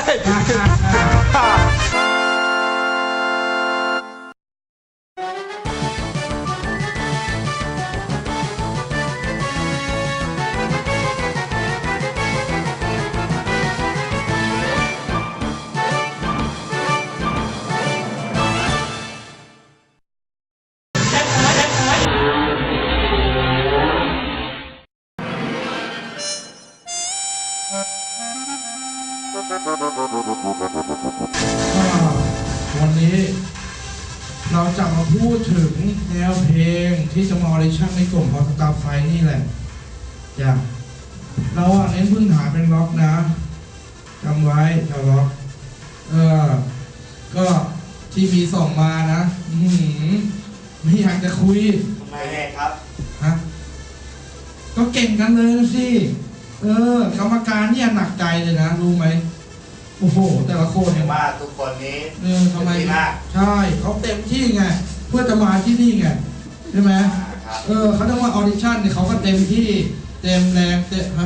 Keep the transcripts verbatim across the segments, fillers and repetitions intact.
วันนี้เราจะมาพูดถึงแนวเพลงที่จะมาออดิชั่นในกลุ่มของสตาร์ไฟนี่แหละจ้ะเราอ่ะเน้นพื้นฐานเป็นล็อกนะจำไว้จะล็อกเออก็ที่มีส่งมานะอืมไม่อยากจะคุยทำไมครับฮะก็เก่งกันเลยสิเออกรรมการเนี่ยหนักใจเลยนะรู้ไหมโอ้โหแต่ละคนเนี่ยว่าทุกคนนี้เออทำไมใช่เขาเต็มที่ไงเพื่อจะมาที่นี่ไงใช่ไหมเออเขาต้องมาออดิชั่นเนี่ยเขาก็เต็มที่เต็มแรงเต็มฮะ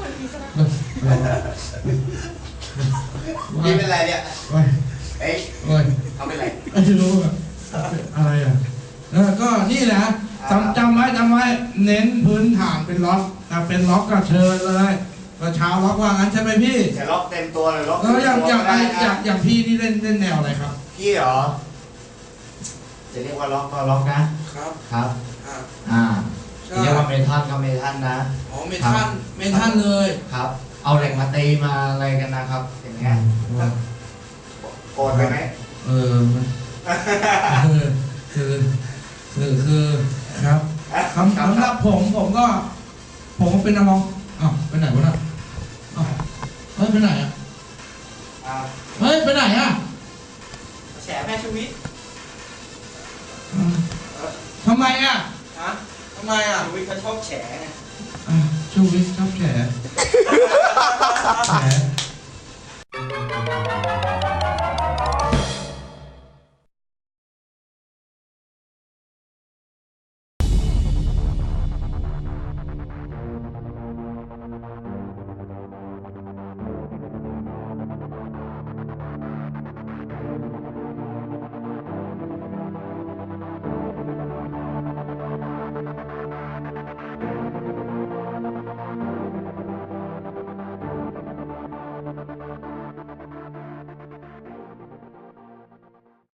นี่เป็นไรเนี่ยเอ้ยเอ้ยเอ้ยเขาเป็นไรไม่รู้อะอะไรอ่ะเออก็นี่นะจำจำไว้จำไว้เน้นพื้นฐานเป็นล็อกแต่เป็นล็อกก็เชิญเลยก็เช้าล็อกว่างั้นใช่ไหมพี่จะล็อกเต็มตัวเลยล็อกแล้วอย่างอย่างไออย่างอย่างพี่นี่เล่นเล่นแนวอะไรครับพี่เหรอจะเรียกว่าล็อกก็ล็อกนะครับครับอ่าเรียกว่าเมทัลก็เมทัลนะอ๋อเมทัลเมทัลเลยครับเอาเหล็กมาตีมาอะไรกันนะครับอย่างเงี้ยโกรธไปไหมเออคือคือคือคือครับสำสำหรับผมผมก็ผมก็เป็นนักร้องอ้าวไปไหนวะน่ะอ้าวเฮ้ยไปไหนอ่ะเฮ้ยไปไหนอ่ะแฉแม่ชีวิตทำไมอ่ะฮะทำไมอ่ะชีวิตเขาชอบแฉไงอ่ะชีวิตชอบแฉแฉ